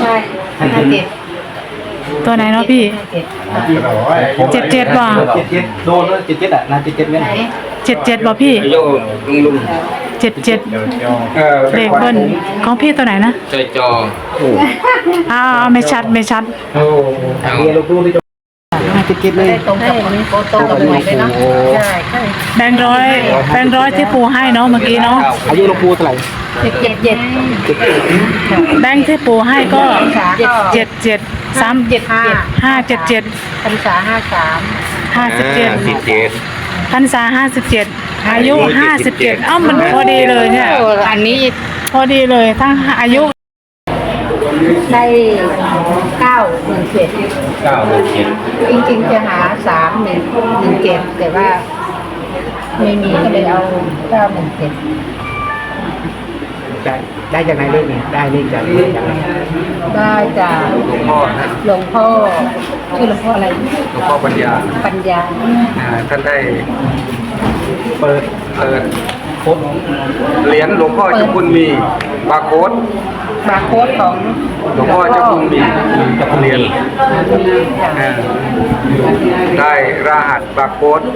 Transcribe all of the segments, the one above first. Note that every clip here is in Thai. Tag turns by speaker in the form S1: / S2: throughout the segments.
S1: ใช่
S2: ตัวไหนเนาะพี่77บ่
S3: โดนแล้ว77อ่ะนะ77เนี่ย
S2: 77บ่พี่
S4: ลุง
S2: 77เลขเบิ้ลของพี่ตัวไหนนะ
S4: ใจจอ
S2: ไม่ชัด
S3: เรียนลูกๆที่77เลย
S1: ตรงกับโฟโต้กับหวยเลยเนาะใช่
S2: แบงค์ร้อยที่ปูให้เนาะเมื่อกี้เนาะ
S3: อายุลูกปูเท่าไหร่
S2: แบงค์ที่ปูให้ก็577
S1: พรรษา
S2: พรรษา57อายุ57มันพอดีเลยเนี่ย
S1: อันนี้
S2: พอดีเลยทั้งอายุ
S1: ได้917จริงๆจะหา3117แต่ว่าไม่มีก็เลยเอา917
S3: ได้จากไหนเลขเนี่ยได้เลขจาก
S1: ได้จากหลวงพ่อชื่อหลวงพ่ออะไร
S4: หลวงพ่อปัญญาท่านได้
S3: เปิด
S4: โค้ดเหรียญหลวงพ่อเจ้าคุณมีบาร์โค้ด
S1: ของ
S4: หลวงพ่อเจ้าคุณมีเหรียญได้รหัสบาร์โค้ด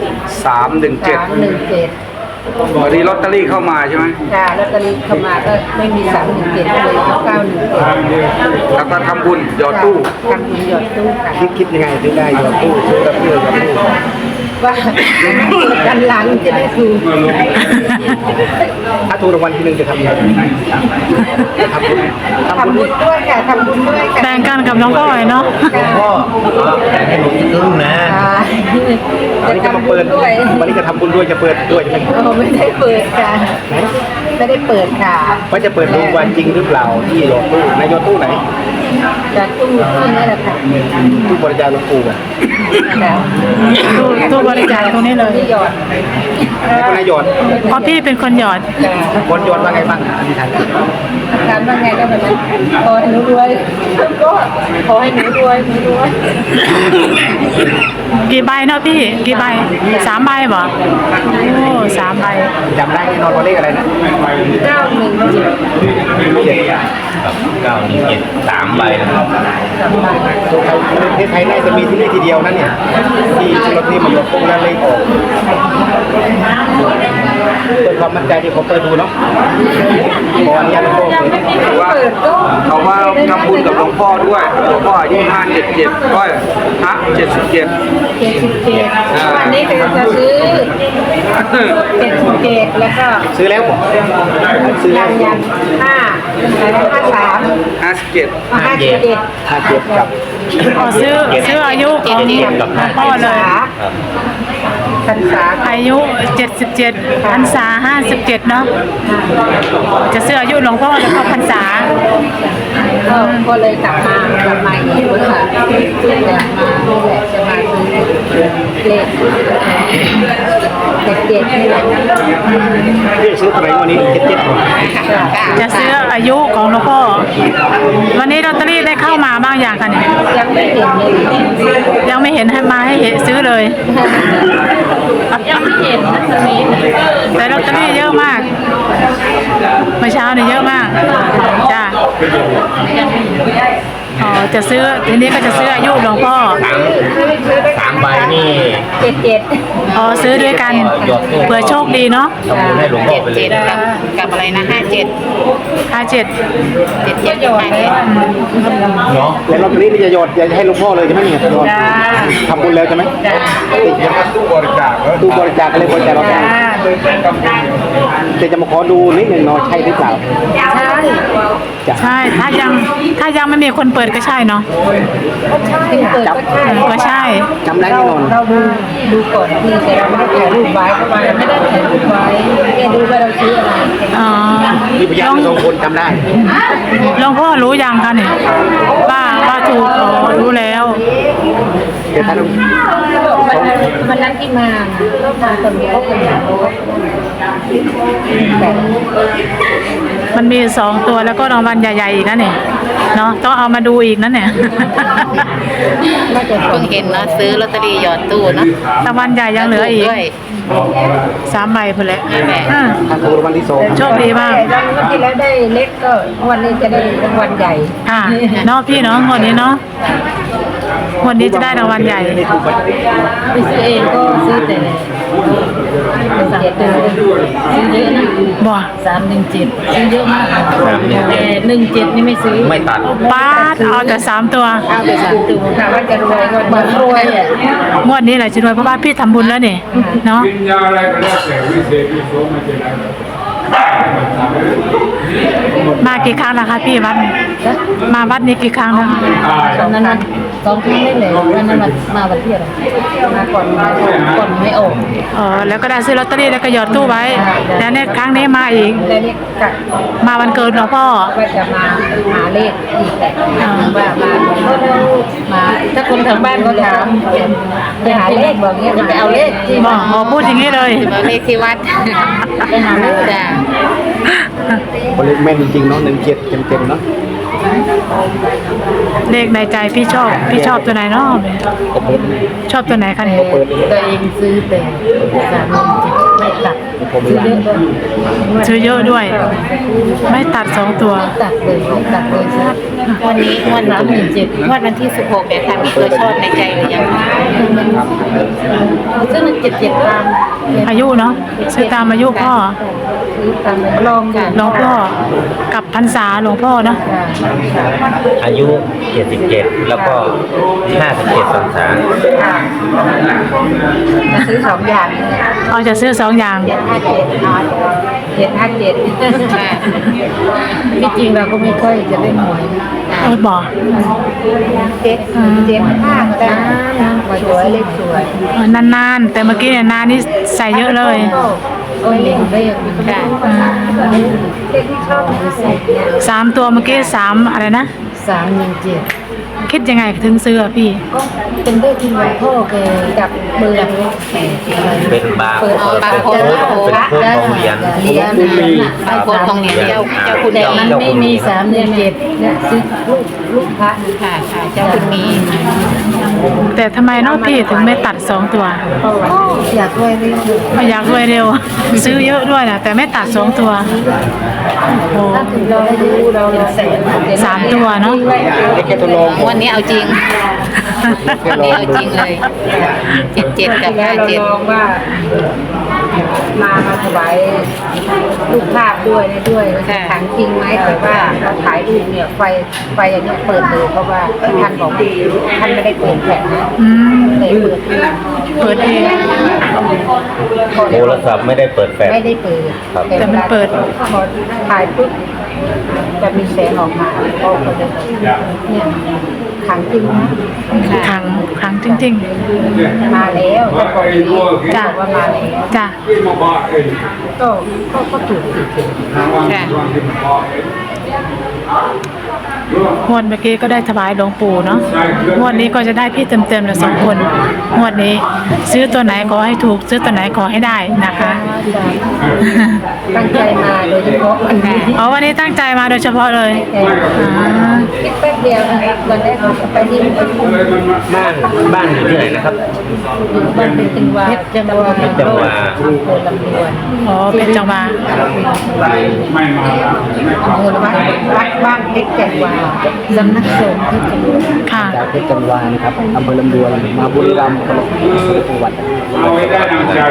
S4: 317วันนี้ลอตเตอรี่เข้ามาใช่ไหม
S1: ค่ะลอตเตอรี่เข้ามาก็ไม่มี317เลย917
S4: แล้วก็ทำบุญหยอดตู้
S1: ค่ะ
S3: คิดยังไงถึงได้หยอดตู้ซื้อกับเพื่อนหยอดตู้
S1: ว่ากันหลังจะได้ถูก
S3: ถ้าถูกรางวัลที่1จะทำยังไง
S1: ทำบุญด้วยค่ะทำบุญด้วยค่ะ
S2: แต่งกันกับน้องก้อยเนาะ
S3: พ่อให้หนูครึ่งนะวันนี้จะมาเปิดวันนี้จะทำบุญด้วยจะเปิดด้วยใช่ไหม
S1: ไม่ได้เปิดค่ะไม่ได้เปิดค่ะ
S3: ว่าจะเปิดดูวันจริงหรือเปล่าที่หยอดตู้ในหยอดตู้ไหน
S1: จากตู้นี่แหละค่ะ
S3: ตู้บริจาคหลวงปู่อ่ะ
S2: ตู้บริจาคตรงนี้เลย
S1: หยอด
S3: ให้คนไหนหยอด
S2: เพราะพี่เป็นคนหยอด
S3: คนหยอดว่าไงบ้างอธิษฐาน
S1: การว่าไงก็แบบนั้นขอให้หนูรวยก็ขอให้หนูรวย
S2: กี่ใบเนาะพี่กี่ใบ3 ใบบ่โอ้3 ใบ
S3: จำได้แน่นอนว่าเลขอะไรนะ
S1: 917
S4: 3 ใบนะครับ
S3: ประเทศไทยน่าจะมีที่นี่ทีเดียวนั่นเนี่ยที่รถที่มาหยอดตู้แล้วเลขออกเป็นความมั่นใจที่เขาเปิดดูเนาะขออนุญาตหลวงพ่อ
S4: เขาว่าทำบุญกับหลวงพ่อด้วยหลวงพ่ออายุ577ก็77
S1: วันนี้ก็จะซื้อ77แล้วก็
S3: ซื้อแล้วผมซื้อแล้ว
S1: ยัน
S3: 57กับ
S2: ซื้ออายุของพ่อเลย
S1: พรรษา
S2: อายุ77พรรษา57เนาะจะซื้ออายุหลวงพ่อแล้วก็พรรษา
S1: ก็เลยกลับมาอีกค่ะจะมาเลข77นี่แหละ
S3: พี่ซื้ออะไรวันนี้
S2: จะซื้ออายุของหลวงพ่อวันนี้ลอตเตอรี่ได้เข้ามาบ้างอย่างกันเนี่ยยังไม่เห็นให้มาให้ซื้อเลย
S1: ยังไม่เห็นนะตอนนี้
S2: แต่ลอตเตอรี่เยอะมากเมื่อเช้าเนี่ยเยอะมากจ้าจะซื้อทีนี้ก็จะซื้ออายุหลวงพ่อ
S3: 3 ใบนี่
S1: 77
S2: ซื้อด้วยกันเผื่อโชคดีเนาะ
S3: ให้หลวงพ่อไปเลย
S1: กับอะไรนะ57หยอดเลย
S3: เนาะแล้วลอตเตอรี่นี่จะหยอดให้หลวงพ่อเลยใช่ไหมเนี่ยหยอดทำบุญแล้วใช่ไหมติดตู้บริจาคอะไรบริจาคเราแต่จะมาขอดูนิดหนึ่งเนาะใช่หรือเปล่า
S2: ใช่ถ้ายังไม่มีคนเปิดก็ใช่เนาะก็ใช่
S3: จำได้แน่นอน
S1: เราดูก่อนที่แต่เราไม่ได้ถ่ายรูปไว้ประมาณไม่ได้ถ่ายรูปไว้แค่ดูว่าเราซื้ออะไร
S3: มีพยาน2 คนจำได้
S2: หลวงพ่อรู้ยังคะเนี่ยว่าถูกรู้แล้ว
S3: แต่ท่าน
S1: วันนั้นที่มาคนเดียว
S2: มันมี2 ตัวแล้วก็รางวัลใหญ่ๆอีกนะเนี่ยเนาะต้องเอามาดูอีกนั่นเนี่ย
S1: น่าจะ
S5: เพิ่งเห็นเนาะซื้อลอตเตอรี่หยอดตู้เนาะ
S2: รางวัลใหญ่ยังเหลืออีก
S5: ด้วย
S2: 3 ใบเพิ่นแหละ
S5: นั่นแหละ
S2: อ่า
S3: ถ้าถูกรางวัลที่สอง
S2: โชคดีมาก
S1: รางวัลที่แล้วได้เล็กก็วันนี้จะได้รางวัลใหญ่
S2: ค่ะเนาะพี่เนาะงวดนี้เนาะงวดนี้จะได้รางวัลใหญ่
S1: ไปซื้อเองก็ซื้อแต่3 ตัวซื้อเยอะนะ
S2: บ่
S1: 317ซื้อเยอะมาก
S6: 317
S1: แต่17นี่ไม่ซื้อ
S6: ไม่ตัด
S2: ป้าดเอาแต่3 ตัว
S1: เอาไป3 ตัวถามว่าจะรวยก็บ่รวยอ่ะ
S2: งวดนี้แหละจะรวยเพราะว่าพี่ทำบุญแล้วนี่เนาะ
S7: วิญญาณอะไรก็แล้วแต่วิเศษวิโสไม่เป็นไร
S2: มากี่ครั้งแล้วคะพี่วัดมาวัดนี้กี่ครั้งแล้วคะ
S1: ตอนนั้น2 ครั้งได้เลยวันนั้นมาวันที่อะไรมาก่อนไม่ออก
S2: อ๋อแล้วก็ได้ซื้อลอตเตอรี่แล้วก็หยอดตู้ไว้ แล้วเนี่ยครั้งนี้มาอีก
S1: แล้วนี่กะ
S2: มาวันเกิดหลวงพ่อ
S1: ว่าจะมาหาเลขอีกแหละว่ามาถ้าคนทางบ้านก็ถามจะหาเลขบอกเงี้ยจะไปเอาเลขที่
S2: บอกอ๋อพูดอย่างนี้เลย
S5: เอาเลขที่วัด
S1: ไปหาเลข
S5: จ้ะ
S3: คนเล็กแม่นจริงๆเนาะ17เต็มๆเนาะ
S2: เลขในใจพี่ชอบตัวไหนเนาะชอบตัวไหนคะเนี่ย
S1: ตัวเองซื้อแต่317ไม่ตัดซื้อเยอะด้วย
S2: ซื้อเยอะด้วย ไม่ตัด2 ตัว
S1: ตัดเลยตัดเลยซัด
S5: วันนี้งวดวันที่16เนี่ยค่ะมีตัวชอบในใจหรือยัง
S1: ซื้อมัน77ตาม
S2: อายุเนาะซื้อตามอายุพ่อ
S1: ซื้อตามลองกัน
S2: หลวงพ่อกับพรรษาหลวงพ่อเนาะ
S6: อายุ 77 แล้วก็ 57พรรษา
S1: จะซื้อ2 อย่าง
S2: เอาจะซื้อ2 อย่าง
S1: 757ที่จริงเราก็ไม่ค่อยจะเล่นหวย
S2: เออบอก
S1: 775ก็ได้นะสวยเลขสวย
S2: นานๆ แต่เมื่อกี้เนี่ยนานนี่ใส่เยอะเลย
S1: โอ้ยเลขเลขเลขที่ชอบคือใส่เนี่ย
S2: 3 ตัวเมื่อกี้3อะไรนะ
S1: 317
S2: คิดยังไงถึงซื้ออะพี่
S1: ก็เป็นเลขที่หลวงพ่อแกจับมือ
S6: เป็นบาร์
S1: เปิด
S6: เป็นโค้ดเป็นโค้ดของเหรียญ
S1: เหรียญ
S5: บางคนของเหรียญเจ้าคุณ
S1: แต่
S5: มี
S1: มันไม่มี3 เดือน 7เนี่ยซื้อลูกพระ
S5: ค่ะค่ะเจ้าคุณมี
S2: แต่ทำไมเนาะพี่ถึงไม่ตัด2 ตัว
S1: ก็อยากรวยเร็ว
S2: ไม่อยากรวยเร็ว ซื้อเยอะด้วยนะแต่ไม่ตัด2 ตัวโอ้
S1: ถ้าถึงเราได้รู้เราแสน
S2: 3 ตัวเนาะ
S3: ได้แค่ทดลอง
S5: วันนี้เอาจริงวันนี้เอาจริงเลย77กับ
S1: แล้วเราลองว่ามาถวายรูปภาพด้วยถังจริงไหมแต่ว่าเราถ่ายรูปเนี่ยไฟอันนี้เปิดเลยเพราะว่าท่านบอกท่านไม่ได้เปิดแผ่นนะ
S2: อืม
S1: แต่เปิดเอง
S6: โทรศัพท์ไม่ได้เปิดแฟลช
S1: ไม่ได้เปิด
S6: ครับ
S2: แต่มันเปิด
S1: พอถ่ายปุ๊บจะมีแสงออกมาก็เลยเนี่ยถังจริงนะ
S2: ขังจริง
S1: มาแล้วก็บอกนี้
S2: จ้ะ
S1: บอกว่ามาแล้ว
S2: ๆจ้ะ
S1: ก็ถูกสิ
S5: ค่ะ
S2: งวดเมื่อกี้ก็ได้ถวายหลวงปู่เนาะงวดนี้ก็จะได้พี่เต็มๆเลย2 คนงวดนี้ ซื้อตัวไหนขอให้ถูก ซื้อตัวไหนขอให้ได้นะคะ
S1: ตั้งใจมาโดยเฉพาะวันนี้
S2: อ๋อวันนี้ตั้งใจมาโดยเฉพาะเลยอ่า
S1: คิดแป๊บเดียววันแรกเราจะไปที่
S6: บ้านอยู่ที่ไหนนะครับ
S1: บ้านเป็นจังหวะจังหวะ
S6: เป็นจังหวะ
S1: อำเภอลำดวน
S2: อ๋อเป็นจังหวะ
S7: ไม่มา
S1: อำเภอวัดบ้านเพชรจังหวะสำนักสงฆ์ที่จังหวัด
S2: ค่ะ
S3: จากเพชรจันวานะครับอำเภอลำดวนมาบุรีรัมย์จังหวัด
S7: เอาให้ได้ดังใจ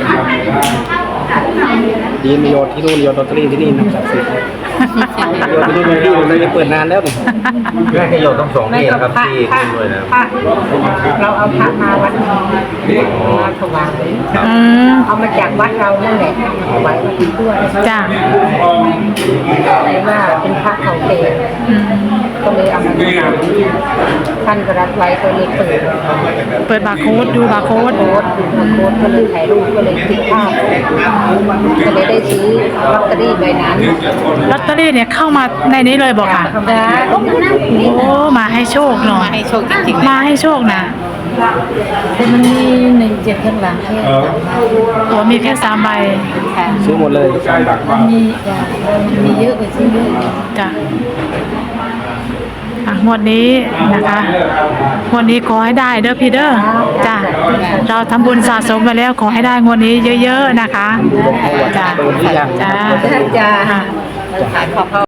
S3: ดีมีโยนที่นู่นโยนลอตเตอรี่ที่นี่นะศักดิ์สิทธิ์โยนที่นู่นที่นู่นเลยเปิดนานแล้วเนี่ย
S6: แม่ขยโยต้อง2ที่นะครับที่ขึ้นด้วยนะ
S1: พระเราเอาพระมาวัดนี้มาถวาย
S2: อืม
S1: เอามาจากวัดเรานั่นแหละถวายวัดนี้ด้วย
S2: จ้ะ
S1: แต่ว่าเป็นพระเขาเต
S2: อืม
S1: ก็เลยเอามาท่านก็รับไว้ก็เลยเปิด
S2: เปิดบาร์โค้ดดูบาร์โค้ด
S1: โค้ดก็เลยถ่ายรูปก็เลยติดภาพก็เลยได้ซื้อลอตเตอรี่ใบนั้น
S2: ลอตเตอรี่เนี่ยเข้ามาในนี้เลยบอกค่ะ
S1: จ้าก็นั่งนี่
S2: โอ้มาให้โชคหน่อ
S5: มาย ให้โชคจริงๆ
S2: มาให้โชคนะ
S1: แต่มันมี17ข้างหลังแค่
S2: โอ้มีแค่3 ใบ
S5: ค่ะ
S3: ซื้อหมดเลย3 บาท
S1: มีเยอะกว่าซื้อเยอะ
S2: จ้ะงวดนี้นะคะงวดนี้ขอให้ได้เด้อพี่เด้อจ้ะเราทำบุญสะสมไปแล้วขอให้ได้งวดนี้เยอะๆนะคะจ้ะจ้ะ
S1: จ้า
S2: ค่ะ
S5: ขายขอบ